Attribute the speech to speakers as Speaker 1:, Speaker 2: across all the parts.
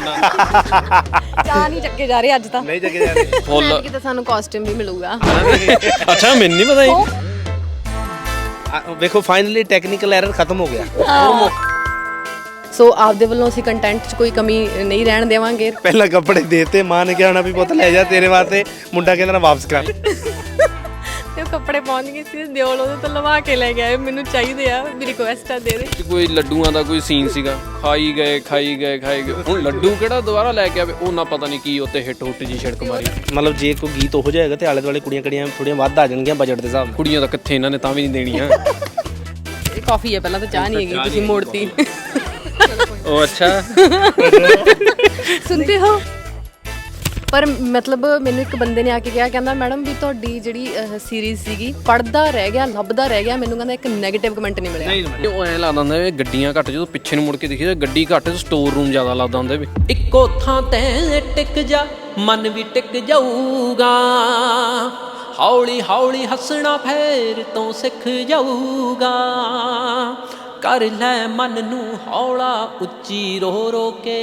Speaker 1: ਚਾਹ ਨਹੀਂ ਚੱਕੇ ਜਾ ਰਹੇ ਅੱਜ ਤਾਂ।
Speaker 2: ਨਹੀਂ ਚੱਕੇ ਜਾ ਰਹੇ
Speaker 3: ਫੁੱਲ
Speaker 1: ਕਿਤੇ ਸਾਨੂੰ ਕਾਸਟਿਊਮ ਵੀ ਮਿਲੂਗਾ।
Speaker 3: ਅੱਛਾ ਮੈਨੂੰ ਨਹੀਂ ਪਤਾ ਜੀ।
Speaker 2: ਵੇਖੋ ਫਾਈਨਲੀ ਟੈਕਨੀਕਲ ਐਰਰ ਖਤਮ ਹੋ ਗਿਆ।
Speaker 1: ਸੋ ਆਪਦੇ ਵੱਲੋਂ ਅਸੀਂ ਕੰਟੈਂਟ 'ਚ ਕੋਈ ਕਮੀ ਨਹੀਂ ਰਹਿਣ ਦੇਵਾਂਗੇ।
Speaker 2: ਪਹਿਲਾਂ ਕੱਪੜੇ ਦੇਤੇ, ਮਾਂ ਨੇ ਕਿਹਾ ਹੋਣਾ ਵੀ ਪੁੱਤ ਲੈ ਜਾ ਤੇਰੇ ਵਾਸਤੇ, ਮੁੰਡਾ ਕਹਿੰਦਾ ਨਾ ਵਾਪਸ ਕਰ।
Speaker 1: ਤੇ ਉਹ ਕੱਪੜੇ ਪਹੁੰਚ ਗਏ ਸੀ, ਦਿਓਲ ਉਹਦੇ ਤੋਂ ਲਵਾ ਕੇ ਲੈ ਗਿਆ, ਮੈਨੂੰ ਚਾਹੀਦੇ ਆ, ਮੇਰੀ ਰਿਕੁਐਸਟ ਆ ਦੇ ਦੇ।
Speaker 3: ਕੋਈ ਲੱਡੂਆਂ ਦਾ ਕੋਈ ਸੀਨ ਸੀਗਾ, ਖਾਈ ਗਏ ਹੁਣ ਲੱਡੂ ਕਿਹੜਾ ਦੁਬਾਰਾ ਲੈ ਕੇ ਆਵੇ, ਉਹ ਨਾ ਪਤਾ ਨਹੀਂ ਕੀ ਉੱਤੇ ਹਿੱਟ ਹੁੱਟ ਜੀ ਛਿੜਕ ਮਾਰੀ।
Speaker 2: ਮਤਲਬ ਜੇ ਕੋਈ ਗੀਤ ਹੋ ਜਾਏਗਾ ਤੇ ਆਲੇ ਦੁਆਲੇ ਕੁੜੀਆਂ ਕੜੀਆਂ ਥੋੜੀਆਂ ਵੱਧ ਆ ਜਾਣਗੀਆਂ ਬਜਟ ਦੇ ਹਿਸਾਬ ਨਾਲ।
Speaker 3: ਕੁੜੀਆਂ ਤਾਂ ਕਿੱਥੇ ਇਹਨਾਂ ਨੇ ਤਾਂ ਵੀ ਨਹੀਂ ਦੇਣੀਆਂ।
Speaker 1: ਇਹ ਕਾਫੀ ਹੈ, ਪਹਿਲਾਂ ਤਾਂ ਚਾਹ ਨਹੀਂ ਹੈਗੀ, ਤੁਸੀਂ ਮੋੜਤੀ।
Speaker 3: ਉਹ ਅੱਛਾ
Speaker 1: ਸੁਣਦੇ ਹੋ। ਪਰ ਮਤਲਬ ਮੈਨੂੰ ਇੱਕ ਬੰਦੇ ਨੇ ਆ ਕੇ ਕਿਹਾ, ਕਹਿੰਦਾ ਮੈਡਮ ਵੀ ਤੁਹਾਡੀ ਜਿਹੜੀ ਸੀਰੀਜ਼ ਸੀਗੀ ਪੜਦਾ ਰਹਿ ਗਿਆ, ਲੱਭਦਾ ਰਹਿ ਗਿਆ, ਮੈਨੂੰ ਕਹਿੰਦਾ ਇੱਕ ਨੈਗੇਟਿਵ ਕਮੈਂਟ ਨਹੀਂ ਮਿਲਿਆ।
Speaker 3: ਉਹ ਐਂ ਲੱਗਦਾ ਹੁੰਦਾ ਵੀ ਗੱਡੀਆਂ ਘੱਟ, ਜਦੋਂ ਪਿੱਛੇ ਨੂੰ ਮੁੜ ਕੇ ਦੇਖੀਦਾ ਗੱਡੀ ਘੱਟ, ਸਟੋਰ ਰੂਮ ਜ਼ਿਆਦਾ ਲੱਗਦਾ ਹੁੰਦਾ ਵੀ ਇੱਕੋ ਥਾਂ ਤੇ ਟਿਕ ਜਾ, ਮਨ ਵੀ ਟਿਕ ਜਾਊਗਾ, ਹੌਲੀ ਹੌਲੀ ਹੱਸਣਾ ਫੇਰ ਤੋਂ ਸਿੱਖ ਜਾਊਗਾ, ਕਰ ਲੈ ਮਨ ਨੂੰ ਹੌਲਾ ਉੱਚੀ ਰੋ ਰੋ ਕੇ,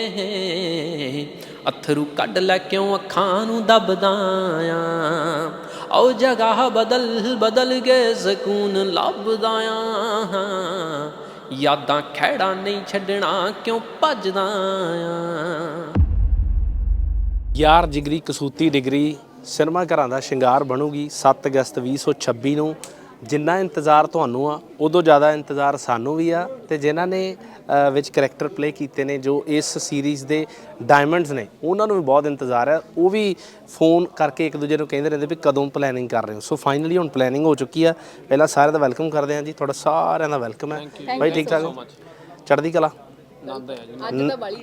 Speaker 3: ਅੱਥਰੂ ਕੱਢ ਲੈ ਕਿਉਂ ਅੱਖਾਂ ਨੂੰ ਦਬਦਾ ਆ, ਆਓ ਜਗ੍ਹਾ ਬਦਲ ਬਦਲ ਕੇ ਸਕੂਨ ਲੱਭਦਾ ਆ, ਯਾਦਾਂ ਖਹਿੜਾ ਨਹੀਂ ਛੱਡਣਾ ਕਿਉਂ ਭੱਜਦਾ ਆ।
Speaker 2: ਯਾਰ ਜਿਗਰੀ ਕਸੂਤੀ ਡਿਗਰੀ ਸਿਨੇਮਾ ਘਰਾਂ ਦਾ ਸ਼ਿੰਗਾਰ ਬਣੂਗੀ 7 ਅਗਸਤ 2026 ਨੂੰ। ਜਿੰਨਾ ਇੰਤਜ਼ਾਰ ਤੁਹਾਨੂੰ ਆ, ਉਦੋਂ ਜ਼ਿਆਦਾ ਇੰਤਜ਼ਾਰ ਸਾਨੂੰ ਵੀ ਆ, ਤੇ ਜਿਨ੍ਹਾਂ ਨੇ ਵਿੱਚ ਕਰੈਕਟਰ ਪਲੇ ਕੀਤੇ ਨੇ, ਜੋ ਇਸ ਸੀਰੀਜ਼ ਦੇ ਡਾਇਮੰਡਸ ਨੇ, ਉਹਨਾਂ ਨੂੰ ਵੀ ਬਹੁਤ ਇੰਤਜ਼ਾਰ ਹੈ। ਉਹ ਵੀ ਫੋਨ ਕਰਕੇ ਇੱਕ ਦੂਜੇ ਨੂੰ ਕਹਿੰਦੇ ਰਹਿੰਦੇ ਵੀ ਕਦੋਂ ਪਲੈਨਿੰਗ ਕਰ ਰਹੇ ਹੋ। ਸੋ ਫਾਈਨਲੀ ਹੁਣ ਪਲੈਨਿੰਗ ਹੋ ਚੁੱਕੀ ਆ। ਪਹਿਲਾਂ ਸਾਰਿਆਂ ਦਾ ਵੈਲਕਮ ਕਰਦੇ ਹਾਂ ਜੀ, ਤੁਹਾਡਾ ਸਾਰਿਆਂ ਦਾ ਵੈਲਕਮ ਹੈ ਬਾਈ। ਠੀਕ ਠਾਕ ਹੋ? ਚੜ੍ਹਦੀ ਕਲਾ।
Speaker 1: ਅੱਜ ਤਾਂ ਬਾਲੀ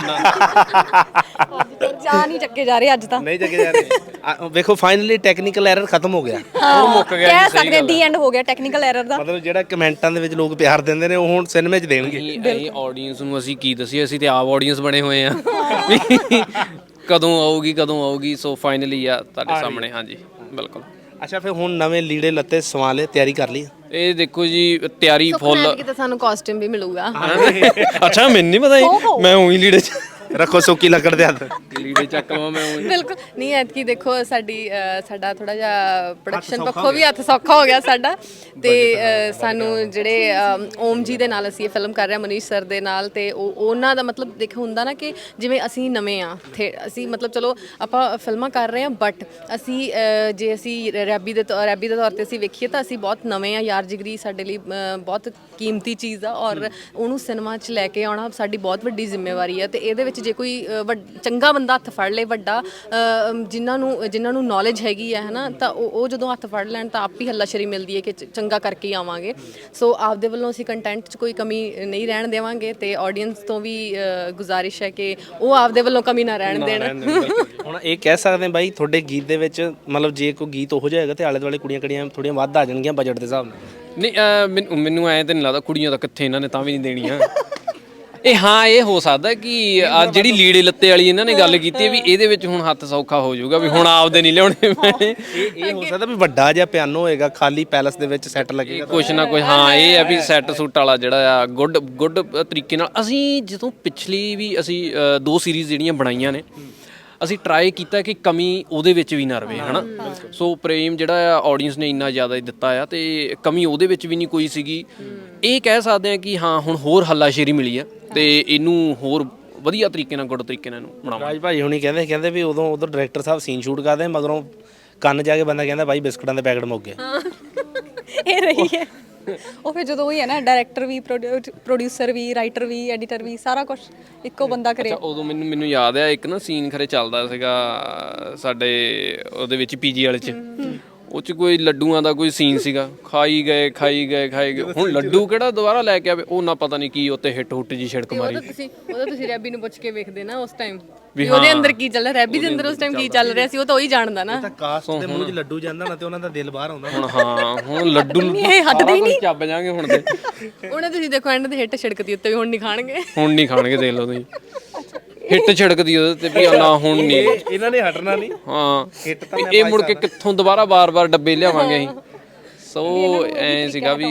Speaker 1: ਚਾਹ ਨਹੀਂ ਚੱਕੇ ਜਾ ਰਹੇ ਅੱਜ ਤਾਂ।
Speaker 2: ਨਹੀਂ ਚੱਕੇ ਜਾ ਰਹੇ ਵੇਖੋ ਫਾਈਨਲੀ ਟੈਕਨੀਕਲ ਐਰਰ ਖਤਮ ਹੋ ਗਿਆ।
Speaker 1: ਉਹ ਮੁੱਕ ਗਿਆ, ਕਹਿ ਸਕਦੇ ਦੀ ਐਂਡ ਹੋ ਗਿਆ ਟੈਕਨੀਕਲ ਐਰਰ ਦਾ।
Speaker 2: ਮਤਲਬ ਜਿਹੜਾ ਕਮੈਂਟਾਂ ਦੇ ਵਿੱਚ ਲੋਕ ਪਿਆਰ ਦਿੰਦੇ ਨੇ, ਉਹ ਹੁਣ ਸਿਨੇਮੇ 'ਚ ਦੇਣਗੇ।
Speaker 3: ਇਹ ਆਡੀਅנס ਨੂੰ ਅਸੀਂ ਕੀ ਦਸੀਏ, ਅਸੀਂ ਤੇ ਆਪ ਆਡੀਅנס ਬਣੇ ਹੋਏ ਆ। ਕਦੋਂ ਆਊਗੀ। ਸੋ ਫਾਈਨਲੀ ਆ ਤੁਹਾਡੇ ਸਾਹਮਣੇ। ਹਾਂਜੀ ਬਿਲਕੁਲ।
Speaker 2: ਅੱਛਾ ਫਿਰ ਹੁਣ ਨਵੇਂ ਲੀੜੇ ਲੱਤੇ ਸਵਾ ਲਏ, ਤਿਆਰੀ ਕਰ ਲਈ?
Speaker 3: ਇਹ ਦੇਖੋ ਜੀ ਤਿਆਰੀ ਫੁੱਲ।
Speaker 1: ਕਿਤੇ ਸਾਨੂੰ ਕਾਸਟਿਊਮ ਵੀ ਮਿਲੂਗਾ।
Speaker 3: ਅੱਛਾ ਮੈਨੂੰ ਨਹੀਂ ਪਤਾ ਜੀ, ਮੈਂ ਉਹੀ ਲੀੜੇ ਚ
Speaker 2: ਰੱਖੋ ਸੁੱਕੀ ਲੱਕੜ ਦੇ ਹੱਥ,
Speaker 3: ਲੀੜੇ ਚੱਕ ਲਵਾਂ ਮੈਂ ਉਹੀ।
Speaker 1: ਬਿਲਕੁਲ ਨਹੀਂ, ਐਤਕੀ ਦੇਖੋ ਸਾਡਾ ਥੋੜਾ ਜਿਹਾ ਪ੍ਰੋਡਕਸ਼ਨ ਪੱਖੋਂ ਵੀ ਹੱਥ ਸੌਖਾ ਹੋ ਗਿਆ ਸਾਡਾ, ਤੇ ਸਾਨੂੰ ਜਿਹੜੇ ਓਮ ਜੀ ਦੇ ਨਾਲ ਅਸੀਂ ਇਹ ਫਿਲਮ ਕਰ ਰਹੇ ਹਾਂ, ਮਨੀਸ਼ ਸਰ ਦੇ ਨਾਲ, ਤੇ ਉਹਨਾਂ ਦਾ ਮਤਲਬ ਦੇਖੋ ਹੁੰਦਾ ਨਾ ਕਿ ਜਿਵੇਂ ਅਸੀਂ ਨਵੇਂ ਆ, ਅਸੀਂ ਮਤਲਬ ਚਲੋ ਆਪਾਂ ਫਿਲਮਾਂ ਕਰ ਰਹੇ ਹਾਂ, ਬਟ ਅਸੀਂ ਜੇ ਅਸੀਂ ਰੈਬੀ ਦੇ ਤੌਰ ਤੇ ਅਸੀਂ ਵੇਖੀਏ ਤਾਂ ਅਸੀਂ ਬਹੁਤ ਨਵੇਂ ਆ। ਯਾਰ ਜਿਗਰੀ ਸਾਡੇ ਲਈ ਬਹੁਤ ਕੀਮਤੀ ਚੀਜ਼ ਆ, ਔਰ ਉਹਨੂੰ ਸਿਨੇਮਾ 'ਚ ਲੈ ਕੇ ਆਉਣਾ ਸਾਡੀ ਬਹੁਤ ਵੱਡੀ ਜ਼ਿੰਮੇਵਾਰੀ ਆ। ਤੇ ਇਹਦੇ ਵਿੱਚ ਜੇ ਕੋਈ ਚੰਗਾ ਬੰਦਾ ਹੱਥ ਫੜ ਲੇ, ਵੱਡਾ ਜਿਨ੍ਹਾਂ ਨੂੰ ਨੌਲੇਜ ਹੈਗੀ ਹੈ ਨਾ, ਤਾਂ ਉਹ ਜਦੋਂ ਹੱਥ ਫੜ ਲੈਣ ਤਾਂ ਆਪ ਹੀ ਹੱਲਾਸ਼ੇਰੀ ਮਿਲਦੀ ਹੈ ਕਿ ਚੰਗਾ ਕਰਕੇ ਹੀ ਆਵਾਂਗੇ। ਸੋ ਆਪਦੇ ਵੱਲੋਂ ਅਸੀਂ ਕੰਟੈਂਟ 'ਚ ਕੋਈ ਕਮੀ ਨਹੀਂ ਰਹਿਣ ਦੇਵਾਂਗੇ, ਤੇ ਆਡੀਅנס ਤੋਂ ਵੀ ਗੁਜ਼ਾਰਿਸ਼ ਹੈ ਕਿ ਉਹ ਆਪਦੇ ਵੱਲੋਂ ਕਮੀ ਨਾ ਰਹਿਣ ਦੇਣ।
Speaker 2: ਹੁਣ ਇਹ ਕਹਿ ਸਕਦੇ ਬਾਈ, ਤੁਹਾਡੇ ਗੀਤ ਦੇ ਵਿੱਚ ਮਤਲਬ ਜੇ ਕੋਈ ਗੀਤ ਹੋ ਜਾਏਗਾ ਤੇ ਆਲੇ ਦੁਆਲੇ ਕੁੜੀਆਂ ਕੜੀਆਂ ਥੋੜੀਆਂ ਵੱਧ ਆ ਜਾਣਗੀਆਂ ਬਜਟ ਦੇ ਹਿਸਾਬ ਨਾਲ?
Speaker 3: ਨਹੀਂ ਮੈਨੂੰ ਐਂ ਤਾਂ ਨਹੀਂ ਲੱਗਦਾ, ਕੁੜੀਆਂ ਤਾਂ ਕਿੱਥੇ ਇਹਨਾਂ ਨੇ ਤਾਂ ਵੀ ਨਹੀਂ ਦੇਣੀਆਂ। ਇਹ ਹਾਂ ਇਹ ਹੋ ਸਕਦਾ ਕਿ ਆ ਜਿਹੜੀ ਲੀੜੇ ਲੱਤੇ ਵਾਲੀ ਇਹਨਾਂ ਨੇ ਗੱਲ ਕੀਤੀ ਵੀ ਇਹਦੇ ਵਿੱਚ ਹੁਣ ਹੱਥ ਸੌਖਾ ਹੋ ਜਾਊਗਾ, ਵੀ ਹੁਣ ਆਪਦੇ ਨਹੀਂ ਲਿਆਉਣੇ ਪੈਣੇ।
Speaker 2: ਇਹ ਹੋ ਸਕਦਾ ਵੀ ਵੱਡਾ ਜਿਹਾ ਪਿਆਨੋ ਹੋਏਗਾ, ਖਾਲੀ ਪੈਲਸ ਦੇ ਵਿੱਚ ਸੈੱਟ ਲੱਗੇਗਾ
Speaker 3: ਕੁਛ ਨਾ ਕੁਛ। ਹਾਂ ਇਹ ਹੈ ਵੀ ਸੈੱਟ ਸੂਟ ਵਾਲਾ ਜਿਹੜਾ ਆ ਗੁੱਡ ਤਰੀਕੇ ਨਾਲ। ਅਸੀਂ ਜਦੋਂ ਪਿਛਲੀ ਵੀ ਅਸੀਂ 2 ਸੀਰੀਜ਼ ਜਿਹੜੀਆਂ ਬਣਾਈਆਂ ਨੇ, ਅਸੀਂ ਟਰਾਈ ਕੀਤਾ ਕਿ ਕਮੀ ਉਹਦੇ ਵਿੱਚ ਵੀ ਨਾ ਰਵੇ, ਹਨਾ। ਸੋ ਪ੍ਰੇਮ ਜਿਹੜਾ ਆ ਆਡੀਅנס ਨੇ ਇੰਨਾ ਜ਼ਿਆਦਾ ਦਿੱਤਾ ਆ, ਤੇ ਕਮੀ ਉਹਦੇ ਵਿੱਚ ਵੀ ਨਹੀਂ ਕੋਈ ਸੀਗੀ। ਇਹ ਕਹਿ ਸਕਦੇ ਆ ਕਿ ਹਾਂ ਹੁਣ ਹੋਰ ਹੱਲਾਸ਼ੇਰੀ ਮਿਲੀ ਆ, ਤੇ ਇਹਨੂੰ ਹੋਰ ਵਧੀਆ ਤਰੀਕੇ ਨਾਲ ਗੁੱਡ ਤਰੀਕੇ ਨਾਲ ਇਹਨੂੰ ਬਣਾਵਾਂ।
Speaker 2: ਰਾਜ ਭਾਈ ਹੁਣੀ ਕਹਿੰਦੇ ਵੀ ਉਦੋਂ ਡਾਇਰੈਕਟਰ ਸਾਹਿਬ ਸੀਨ ਸ਼ੂਟ ਕਰਦੇ, ਮਗਰੋਂ ਕੰਨ ਜਾ ਕੇ ਬੰਦਾ ਕਹਿੰਦਾ ਬਾਈ ਬਿਸਕੁਟਾਂ ਦੇ ਪੈਕਟ ਮੁੱਕ ਗਏ।
Speaker 4: ਇਹ ਰਹੀ ਹੈ ਉਹ। ਫਿਰ ਜਦੋਂ ਉਹੀ ਹੈ ਨਾ, ਡਾਇਰੈਕਟਰ ਵੀ, ਪ੍ਰੋਡਿਊਸਰ ਵੀ, ਰਾਈਟਰ ਵੀ, ਐਡੀਟਰ ਵੀ, ਸਾਰਾ ਕੁਝ ਇੱਕੋ ਬੰਦਾ ਕਰੇ।
Speaker 3: ਉਦੋਂ ਮੈਨੂੰ ਯਾਦ ਆ ਇੱਕ ਨਾ ਸੀਨ ਖਰੇ ਚੱਲਦਾ ਸੀਗਾ ਸਾਡੇ ਉਹਦੇ ਵਿੱਚ ਪੀਜੀ ਵਾਲੇ 'ਚ, ਉਹ 'ਚ ਕੋਈ ਲੱਡੂਆਂ ਦਾ ਕੋਈ ਸੀਨ ਸੀਗਾ, ਖਾਈ ਗਏ ਹੁਣ ਲੱਡੂ ਕਿਹੜਾ ਦੁਬਾਰਾ ਲੈ ਕੇ ਆਵੇ, ਉਹ ਨਾ ਪਤਾ ਨਹੀਂ ਕੀ ਉੱਤੇ ਹਿੱਟ ਹੁੱਟ ਜੀ ਛਿੜਕ ਮਾਰੀ।
Speaker 1: ਉਹਦਾ ਤੁਸੀਂ ਰੈਬੀ ਨੂੰ ਪੁੱਛ ਕੇ ਵੇਖਦੇ ਨਾ ਉਸ ਟਾਈਮ ਵੀ ਉਹਦੇ ਅੰਦਰ ਕੀ ਚੱਲ ਰਿਹਾ, ਰੈਬੀ ਦੇ ਅੰਦਰ ਉਸ ਟਾਈਮ ਕੀ ਚੱਲ ਰਿਹਾ ਸੀ, ਉਹ ਤਾਂ ਉਹੀ ਜਾਣਦਾ ਨਾ।
Speaker 2: ਕਾਸਟ ਦੇ ਮੂੰਹ 'ਚ ਲੱਡੂ ਜਾਂਦਾ ਨਾ, ਤੇ ਉਹਨਾਂ ਦਾ ਦਿਲ ਬਾਹਰ ਆਉਂਦਾ
Speaker 3: ਹੁਣ। ਹਾਂ ਹੁਣ ਲੱਡੂ
Speaker 1: ਇਹ ਹਟਦੇ ਹੀ ਨਹੀਂ,
Speaker 3: ਚੱਬ ਜਾਾਂਗੇ ਹੁਣ ਤੇ।
Speaker 1: ਉਹਨੇ ਤੁਸੀਂ ਦੇਖੋ ਐਂਡ ਤੇ ਹਿੱਟ ਛਿੜਕਦੀ ਉੱਤੇ ਵੀ, ਹੁਣ ਨਹੀਂ ਖਾਣਗੇ
Speaker 3: ਦੇਖ ਲਓ ਤੁਸੀਂ, ਹਿੱਟ ਛਿੜਕਦੀ ਉਹਦੇ ਤੇ ਵੀ ਨਾ ਹੁਣ ਨਹੀਂ,
Speaker 2: ਇਹਨਾਂ ਨੇ ਹਟਣਾ ਨਹੀਂ।
Speaker 3: ਹਾਂ ਇਹ ਮੁੜ ਕੇ ਕਿੱਥੋਂ ਦੁਬਾਰਾ ਬਾਰ-ਬਾਰ ਡੱਬੇ ਲਿਆਵਾਂਗੇ ਅਸੀਂ। ਸੋ ਐ ਸੀਗਾ ਵੀ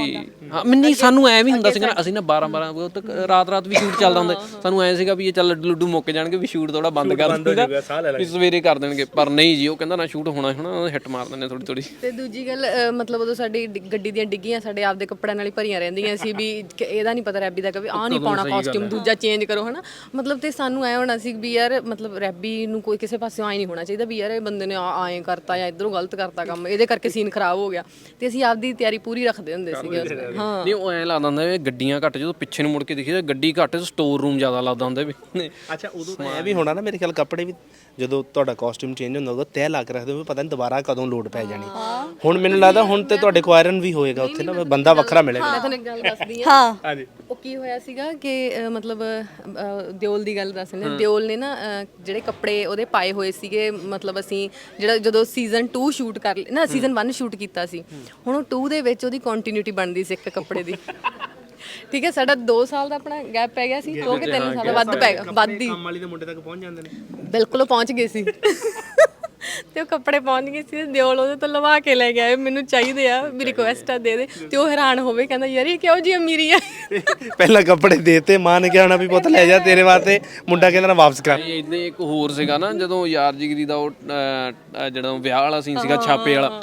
Speaker 3: ਹਾਂ ਨਹੀਂ ਸਾਨੂੰ ਐ ਵੀ ਹੁੰਦਾ ਸੀਗਾ ਨਾ, ਅਸੀਂ ਨਾ 12 ਤੱਕ ਰਾਤ ਵੀ ਸ਼ੂਟ ਚੱਲਦਾ ਹੁੰਦਾ, ਸਾਨੂੰ ਐ ਸੀਗਾ ਵੀ ਇਹ ਚੱਲ ਲੱਡੂ ਮੁੱਕ ਜਾਣਗੇ ਵੀ ਸ਼ੂਟ ਥੋੜਾ ਬੰਦ ਕਰ ਦਿੰਦਾ ਵੀ ਸਵੇਰੇ ਕਰ ਦੇਣਗੇ, ਪਰ ਨਹੀਂ ਜੀ ਉਹ ਕਹਿੰਦਾ ਨਾ ਸ਼ੂਟ ਹੋਣਾ ਹਿੱਟ ਮਾਰ ਦਿੰਦੇ ਥੋੜੀ।
Speaker 1: ਤੇ ਦੂਜੀ ਗੱਲ ਮਤਲਬ ਉਦੋਂ ਸਾਡੀ ਗੱਡੀ ਦੀਆਂ ਡਿੱਗੀਆਂ ਸਾਡੇ ਆਪਦੇ ਕੱਪੜਿਆਂ ਨਾਲ ਹੀ ਭਰੀਆਂ ਰਹਿੰਦੀਆਂ ਸੀ ਵੀ ਇਹਦਾ ਨਹੀਂ ਪਤਾ ਰੈਬੀ ਦਾ ਕਿ ਆਹ ਨਹੀਂ ਪਾਉਣਾ ਕਾਸਟਿਊਮ, ਦੂਜਾ ਚੇਂਜ ਕਰੋ ਹਨਾ। ਮਤਲਬ ਤੇ ਸਾਨੂੰ ਐ ਹੋਣਾ ਸੀ ਵੀ ਯਾਰ ਮਤਲਬ ਰੈਬੀ ਨੂੰ ਕੋਈ ਕਿਸੇ ਪਾਸਿਓਂ ਆਏ ਨਹੀਂ ਹੋਣਾ ਚਾਹੀਦਾ ਵੀ ਯਾਰ ਇਹ ਬੰਦੇ ਨੇ ਐਂ ਕਰਤਾ ਜਾਂ ਇਧਰੋਂ ਗਲਤ ਕਰਤਾ ਕੰਮ, ਇਹਦੇ ਕਰਕੇ ਸੀਨ ਖਰਾਬ ਹੋ ਗਿਆ, ਤੇ ਅਸੀਂ ਆਪਦੀ ਤਿਆਰੀ ਪੂਰੀ ਰੱਖਦੇ ਹੁੰਦੇ ਸੀਗੇ। ਹਾਂ
Speaker 3: ਨਹੀਂ ਉਹ ਐਂ ਲੱਗਦਾ ਹੁੰਦਾ ਵੀ ਗੱਡੀਆਂ ਘੱਟ, ਜਦੋਂ ਪਿੱਛੇ ਨੂੰ ਮੁੜ ਕੇ ਦੇਖੀਦਾ ਗੱਡੀ ਘੱਟ, ਸਟੋਰ ਰੂਮ ਜ਼ਿਆਦਾ ਲੱਗਦਾ ਹੁੰਦਾ ਵੀ।
Speaker 2: ਅੱਛਾ ਉਦੋਂ ਤਾਂ ਇਹ ਵੀ ਹੋਣਾ ਨਾ ਮੇਰੇ ਖਿਆਲ ਕੱਪੜੇ ਵੀ ਜਦੋਂ ਤੁਹਾਡਾ ਕਾਸਟਿਊਮ ਚੇਂਜ ਹੁੰਦਾ ਉਦੋਂ ਤੈਅ ਲਾ ਕੇ ਰੱਖਦੇ ਹੋ, ਪਤਾ ਨਹੀਂ ਦੁਬਾਰਾ ਕਦੋਂ ਲੋਡ ਪੈ ਜਾਣੀ। ਹੁਣ ਮੈਨੂੰ ਲੱਗਦਾ ਹੁਣ ਤੇ ਤੁਹਾਡੇ ਕੋ ਆਇਰਨ ਵੀ ਹੋਏਗਾ ਉੱਥੇ ਨਾ, ਬੰਦਾ ਵੱਖਰਾ ਮਿਲੇਗਾ।
Speaker 1: ਮੈਂ ਤੁਹਾਨੂੰ ਇੱਕ ਗੱਲ ਦੱਸਦੀ
Speaker 4: ਹਾਂ
Speaker 2: ਹਾਂਜੀ
Speaker 1: ਉਹ ਕੀ ਹੋਇਆ ਸੀਗਾ ਕਿ ਮਤਲਬ ਦਿਓਲ ਦੀ ਗੱਲ ਦੱਸਦੇ ਨੇ, ਦਿਓਲ ਨੇ ਨਾ ਜਿਹੜੇ ਕੱਪੜੇ ਉਹਦੇ ਪਾਏ ਹੋਏ ਸੀਗੇ, ਮਤਲਬ ਅਸੀਂ ਜਿਹੜਾ ਜਦੋਂ ਸੀਜ਼ਨ 2 ਸ਼ੂਟ ਕਰ ਨਾ ਸੀਜ਼ਨ 1 ਸ਼ੂਟ ਕੀਤਾ ਸੀ, ਹੁਣ ਉਹ 2 ਦੇ ਵਿੱਚ ਉਹਦੀ ਕੰਟੀਨਿਊਟੀ ਬਣਦੀ ਸੀ ਇੱਕ ਕੱਪੜੇ ਦੀ। ਠੀਕ ਹੈ, ਸਾਡਾ 2 ਸਾਲ ਦਾ ਆਪਣਾ ਗੈਪ ਪੈ ਗਿਆ ਸੀ, 2 ਕਿ 3 ਸਾਲ ਦਾ ਵੱਧ ਪੈ ਗਿਆ, ਵੱਧ ਹੀ
Speaker 2: ਕੰਮ ਵਾਲੀ ਦੇ ਮੁੰਡੇ ਤੱਕ ਪਹੁੰਚ ਜਾਂਦੇ ਨੇ।
Speaker 1: ਬਿਲਕੁਲ ਉਹ ਪਹੁੰਚ ਗਏ ਸੀ ਤੇ ਉਹ ਕੱਪੜੇ ਪਹੁੰਚ ਗਏ ਸੀ, ਦਿਓਲ ਉਹਦੇ ਤੋਂ ਲਵਾ ਕੇ ਲੈ ਗਿਆ, ਮੈਨੂੰ ਚਾਹੀਦੇ ਆ, ਵੀ ਰਿਕੁਐਸਟ ਆ ਦੇ ਦੇ, ਤੇ ਉਹ ਹੈਰਾਨ ਹੋਵੇ, ਕਹਿੰਦਾ ਯਾਰ ਇਹ ਕਿਹੋ ਜੀ ਅਮੀਰੀ ਆ।
Speaker 2: ਪਹਿਲਾਂ ਕੱਪੜੇ ਦੇਤੇ, ਮਾਂ ਨੇ ਕਿਹਾ ਹੋਣਾ ਵੀ ਪੁੱਤ ਲੈ ਜਾ ਤੇਰੇ ਵਾਸਤੇ, ਮੁੰਡਾ ਕਹਿੰਦਾ ਨਾ ਵਾਪਸ ਕਰ।
Speaker 3: ਇਦਾਂ ਇੱਕ ਹੋਰ ਸੀਗਾ ਨਾ, ਜਦੋਂ ਯਾਰ ਜਿਗਰੀ ਦਾ ਉਹ ਜਿਹੜਾ ਵਿਆਹ ਵਾਲਾ ਸੀਨ ਸੀਗਾ ਛਾਪੇ ਵਾਲਾ,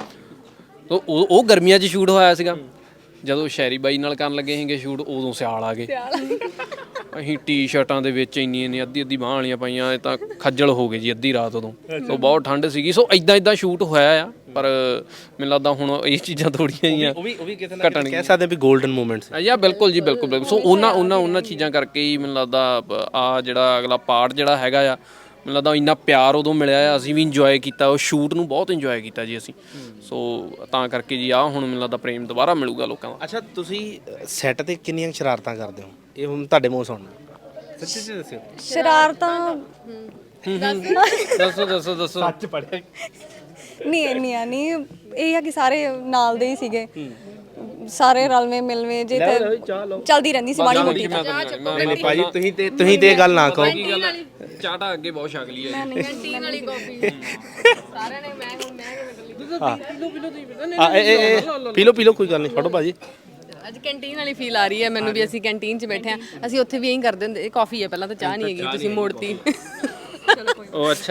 Speaker 3: ਉਹ ਗਰਮੀਆਂ 'ਚ ਸ਼ੂਟ ਹੋਇਆ ਸੀਗਾ। ਜਦੋਂ ਸ਼ੈਰੀ ਬਾਈ ਨਾਲ ਕਰਨ ਲੱਗੇ ਸੀਗੇ ਸ਼ੂਟ, ਉਦੋਂ ਸਿਆਲ ਆ ਗਏ, ਅਸੀਂ ਟੀ-ਸ਼ਰਟਾਂ ਦੇ ਵਿੱਚ ਇੰਨੀ ਅੱਧੀ ਬਾਂਹ ਵਾਲੀਆਂ ਪਾਈਆਂ, ਇਹ ਤਾਂ ਖੱਜਲ ਹੋ ਗਏ ਜੀ ਅੱਧੀ ਰਾਤ ਉਦੋਂ। ਸੋ ਬਹੁਤ ਠੰਡ ਸੀਗੀ, ਸੋ ਇਦਾਂ ਸ਼ੂਟ ਹੋਇਆ ਆ, ਪਰ ਮੈਨੂੰ ਲੱਗਦਾ ਹੁਣ ਇਹ ਚੀਜ਼ਾਂ ਥੋੜੀਆਂ ਜਿਹੀਆਂ
Speaker 2: ਉਹ ਵੀ ਕਿਤੇ ਨਾ ਕਿਤੇ ਕਹਿ ਸਕਦੇ ਵੀ 골ਡਨ ਮੂਮੈਂਟਸ।
Speaker 3: ਯਾ ਬਿਲਕੁਲ ਜੀ, ਬਿਲਕੁਲ। ਸੋ ਉਹਨਾਂ ਚੀਜ਼ਾਂ ਕਰਕੇ ਹੀ ਮੈਨੂੰ ਲੱਗਦਾ ਆ ਜਿਹੜਾ ਅਗਲਾ ਪਾਰਟ ਜਿਹੜਾ ਹੈਗਾ ਆ, ਮੈਨੂੰ ਲੱਗਦਾ ਇੰਨਾ ਪਿਆਰ ਉਦੋਂ ਮਿਲਿਆ ਆ, ਅਸੀਂ ਵੀ ਇੰਜੋਏ ਕੀਤਾ, ਉਹ ਸ਼ੂਟ ਨੂੰ ਬਹੁਤ ਇੰਜੋਏ ਕੀਤਾ ਜੀ ਅਸੀਂ। ਸੋ ਤਾਂ ਕਰਕੇ ਜੀ ਆ ਹੁਣ ਮੈਨੂੰ ਲੱਗਦਾ ਪ੍ਰੇਮ ਦੁਬਾਰਾ ਮਿਲੂਗਾ ਲੋਕਾਂ ਦਾ।
Speaker 2: ਅੱਛਾ ਤੁਸੀਂ ਸੈੱਟ ਤੇ ਕਿੰਨੀਆਂ ਸ਼ਰਾਰਤਾਂ ਕਰਦੇ ਹੋ, ਇਹ ਹੁਣ ਤੁਹਾਡੇ ਮੂੰਹ ਸੁਣਨਾ, ਸੱਚੀ ਦੱਸਿਓ।
Speaker 4: ਸ਼ਰਾਰਤਾਂ
Speaker 3: ਦੱਸੋ
Speaker 2: ਸੱਚ ਪੜਿਆ
Speaker 4: ਨਹੀਂ ਇੰਨੀਆਂ ਨਹੀਂ, ਇਹ ਆ ਕਿ ਸਾਰੇ ਨਾਲ ਦੇ ਹੀ ਸੀਗੇ, ਸਾਰੇ ਰਲਵੇਂ ਮਿਲਵੇਂ ਜੇ ਤੇ ਚੱਲਦੀ ਰਹਿੰਦੀ ਸੀ ਮਾੜੀ ਮੋਟੀ।
Speaker 2: ਨਹੀਂ ਭਾਜੀ ਤੁਸੀਂ ਤੇ ਇਹ ਗੱਲ ਨਾ ਕਹੋ।
Speaker 3: ਚਾਟਾ ਅੱਗੇ ਬਹੁਤ ਛਕ ਲਈ ਹੈ
Speaker 1: ਕੈਂਟੀਨ ਵਾਲੀ ਕਾਫੀ ਸਾਰਿਆਂ ਨੇ, ਮੈਂ
Speaker 2: ਪੀ ਲਓ ਕੋਈ ਗੱਲ ਨਹੀਂ, ਫੜੋ ਭਾਜੀ।
Speaker 1: ਅੱਜ ਕੈਂਟੀਨ ਵਾਲੀ ਫੀਲ ਆ ਰਹੀ ਹੈ ਮੈਨੂੰ ਵੀ, ਅਸੀਂ ਕੈਂਟੀਨ 'ਚ ਬੈਠੇ ਆ, ਅਸੀਂ ਉੱਥੇ ਵੀ ਇਹੀ ਕਰਦੇ ਹੁੰਦੇ, ਇਹ ਕਾਫੀ ਹੈ ਪਹਿਲਾਂ ਤਾਂ ਚਾਹ ਨਹੀਂ ਹੈਗੀ, ਤੁਸੀਂ ਮੋੜਤੀ।
Speaker 3: ਉਹ ਅੱਛਾ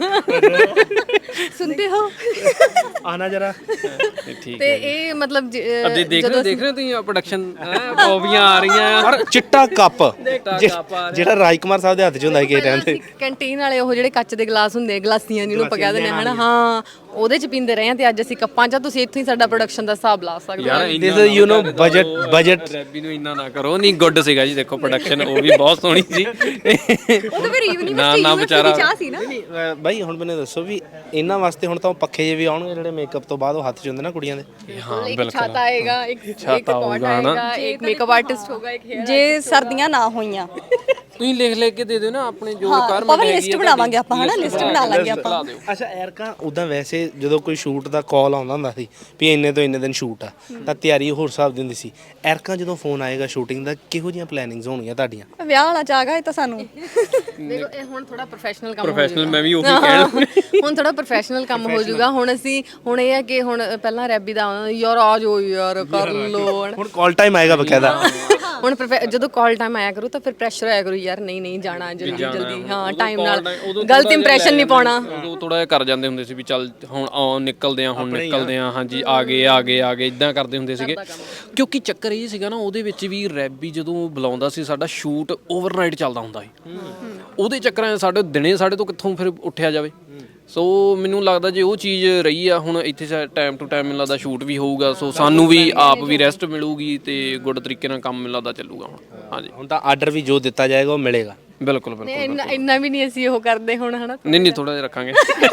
Speaker 1: ਸੁਣਦੇ ਹੋ
Speaker 2: ਆਣਾ ਜਰਾ
Speaker 3: ਠੀਕ
Speaker 1: ਤੇ ਇਹ ਮਤਲਬ
Speaker 3: ਦੇਖ ਰਹੇ ਤੁਸੀਂ ਪ੍ਰੋਡਕਸ਼ਨ ਕੌਫੀਆਂ ਆ ਰਹੀਆਂ
Speaker 2: ਔਰ ਚਿੱਟਾ ਕੱਪ ਜਿਹੜਾ ਰਾਜਕੁਮਾਰ ਸਾਹਿਬ ਦੇ ਹੱਥ 'ਚ ਹੁੰਦਾ ਕਿ ਰਹਿੰਦੇ
Speaker 1: ਕੈਂਟੀਨ ਵਾਲੇ ਉਹ ਜਿਹੜੇ ਕੱਚ ਦੇ ਗਲਾਸ ਹੁੰਦੇ, ਗਲਾਸੀਆਂ ਜਿਹਨੂੰ ਆਪਾਂ ਕਹਿੰਦੇ ਨੇ ਹਨਾ, ਹਾਂ ਉਹਦੇ 'ਚ ਪੀਂਦੇ ਰਹੇ ਆ, ਤੇ ਅੱਜ ਅਸੀਂ ਕੱਪਾਂ 'ਚ, ਤੁਸੀਂ ਇੱਥੋਂ ਹੀ ਸਾਡਾ ਪ੍ਰੋਡਕਸ਼ਨ ਦਾ ਹਿਸਾਬ ਲਾ ਸਕਦੇ ਹੋ।
Speaker 2: This is you know budget
Speaker 3: ਰੈਬੀ ਨੂੰ ਇੰਨਾ ਨਾ ਕਰੋ, ਨਹੀਂ ਗੁੱਡ ਸੀਗਾ ਜੀ, ਦੇਖੋ ਪ੍ਰੋਡਕਸ਼ਨ ਉਹ ਵੀ ਬਹੁਤ ਸੋਹਣੀ ਸੀ।
Speaker 1: ਉਹ ਤਾਂ ਫਿਰ ਯੂਨੀਵਰਸਿਟੀ ਦੀ ਚਾਹ ਸੀ ਨਾ।
Speaker 2: ਬਾਈ ਹੁਣ ਮੈਨੂੰ ਦੱਸੋ ਵੀ ਇਹਨਾਂ ਵਾਸਤੇ ਹੁਣ ਤਾਂ ਪੱਖੇ ਜਿਹੇ ਵੀ ਆਉਣਗੇ ਜਿਹੜੇ ਮੇਕਅਪ ਤੋਂ ਬਾਅਦ ਉਹ ਹੱਥ 'ਚ ਹੁੰਦੇ ਨਾ ਕੁੜੀਆਂ ਦੇ।
Speaker 3: ਹਾਂ
Speaker 1: ਇੱਕ ਛਾਤਾ ਆਏਗਾ, ਇੱਕ ਪੌਟ ਆਏਗਾ, ਇੱਕ ਮੇਕਅਪ ਆਰਟਿਸਟ ਹੋਗਾ, ਇੱਕ ਹੇਅਰ।
Speaker 4: ਜੇ ਸਰਦੀਆਂ ਨਾ ਹੋਈਆਂ
Speaker 3: ਤੁਸੀਂ ਲਿਖ ਕੇ ਦੇ ਦਿਓ ਨਾ ਆਪਣੇ ਜੋ ਰਿਕੁਆਇਰਮੈਂਟ
Speaker 4: ਆਪਾਂ ਲਿਸਟ ਬਣਾਵਾਂਗੇ, ਆਪਾਂ ਹਨਾ ਲਿਸਟ ਬਣਾ ਲਾਂਗੇ ਆਪਾਂ।
Speaker 2: ਅੱਛਾ ਐਰਕਾ ਉਦਾਂ ਵੈਸੇ ਜਦੋਂ ਕੋਈ ਸ਼ੂਟ ਦਾ ਕਾਲ ਆਉਂਦਾ ਹੁੰਦਾ ਸੀ ਵੀ ਇੰਨੇ ਤੋਂ ਇੰਨੇ ਦਿਨ ਸ਼ੂਟ ਆ, ਤਾਂ ਤਿਆਰੀ ਹੋਰ ਹਿਸਾਬ ਦੀ ਹੁੰਦੀ ਸੀ। ਐਰਕਾ ਜਦੋਂ ਫੋਨ ਆਏਗਾ ਸ਼ੂਟਿੰਗ ਦਾ, ਕਿਹੋ ਜਿਹੀਆਂ ਪਲੈਨਿੰਗਸ ਹੋਣਗੀਆਂ ਤੁਹਾਡੀਆਂ?
Speaker 4: ਵਿਆਹ ਵਾਲਾ ਚਾਗਾ ਇਹ ਤਾਂ ਸਾਨੂੰ।
Speaker 1: ਦੇਖੋ ਇਹ ਹੁਣ ਥੋੜਾ ਪ੍ਰੋਫੈਸ਼ਨਲ ਕੰਮ ਹੋ
Speaker 3: ਪ੍ਰੋਫੈਸ਼ਨਲ, ਮੈਂ ਵੀ ਉਹੀ ਕਹਿਣਾ
Speaker 1: ਹੁਣ ਥੋੜਾ ਪ੍ਰੋਫੈਸ਼ਨਲ ਕੰਮ ਹੋ ਜਾਊਗਾ। ਹੁਣ ਅਸੀਂ ਹੁਣ ਇਹ ਹੈ ਕਿ ਹੁਣ ਪਹਿਲਾਂ ਰੈਬੀ ਦਾ ਯਾਰ ਆ ਜਾਓ ਯਾਰ ਕਰ ਲੋ,
Speaker 2: ਹੁਣ ਕਾਲ ਟਾਈਮ ਆਏਗਾ ਬਕਾਇਦਾ।
Speaker 1: ਹੁਣ ਜਦੋਂ ਕਾਲ ਟਾਈਮ ਆਇਆ ਕਰੂ ਤਾਂ ਫਿਰ ਪ੍ਰੈਸ਼ਰ ਆਇਆ ਕਰੂ, ਯਾਰ ਨਹੀਂ ਜਾਣਾ ਜਲਦੀ, ਹਾਂ ਟਾਈਮ ਨਾਲ ਗਲਤ ਇੰਪ੍ਰੈਸ਼ਨ ਨਹੀਂ ਪਾਉਣਾ।
Speaker 3: ਉਦੋਂ ਥੋੜਾ ਜਿਹਾ ਕਰ ਜਾਂਦੇ ਹੁੰਦੇ ਸੀ ਵੀ ਚੱਲ ਹੁਣ ਨਿਕਲਦੇ ਆ ਹਾਂਜੀ ਆ ਗਏ ਇਦਾਂ ਕਰਦੇ ਹੁੰਦੇ ਸੀਗੇ, ਕਿਉਂਕਿ ਚੱਕਰ ਇਹ ਸੀਗਾ ਨਾ ਉਹਦੇ ਵਿੱਚ ਵੀ ਰੈਬੀ ਜਦੋਂ ਬੁਲਾਉਂਦਾ ਸੀ, ਸਾਡਾ ਸ਼ੂਟ ਓਵਰਨਾਈਟ ਚੱਲਦਾ ਹੁੰਦਾ ਸੀ, ਉਹਦੇ ਚੱਕਰਾਂ ਸਾਡੇ ਦਿਨੇ ਸਾਡੇ ਤੋਂ ਕਿੱਥੋਂ ਫਿਰ ਉੱਠਿਆ ਜਾਵੇ। ਸੋ ਮੈਨੂੰ ਲੱਗਦਾ ਜੇ ਉਹ ਚੀਜ਼ ਰਹੀ ਆ, ਹੁਣ ਇੱਥੇ ਟਾਈਮ ਟੂ ਟਾਈਮ ਮੈਨੂੰ ਲੱਗਦਾ ਸ਼ੂਟ ਵੀ ਹੋਊਗਾ, ਸੋ ਸਾਨੂੰ ਵੀ ਆਪ ਵੀ ਰੈਸਟ ਮਿਲੂਗੀ ਤੇ ਗੁੱਡ ਤਰੀਕੇ ਨਾਲ ਕੰਮ ਮੈਨੂੰ ਲੱਗਦਾ ਚੱਲੂਗਾ ਹੁਣ। ਹਾਂਜੀ
Speaker 2: ਹੁਣ ਤਾਂ ਆਰਡਰ ਵੀ ਜੋ ਦਿੱਤਾ ਜਾਏਗਾ ਉਹ ਮਿਲੇਗਾ।
Speaker 3: ਬਿਲਕੁਲ
Speaker 1: ਇੰਨਾ ਵੀ ਨਹੀਂ ਅਸੀਂ ਉਹ ਕਰਦੇ ਹੁਣ ਹਨਾ।
Speaker 3: ਨਹੀਂ ਥੋੜਾ ਜਿਹਾ ਰੱਖਾਂਗੇ।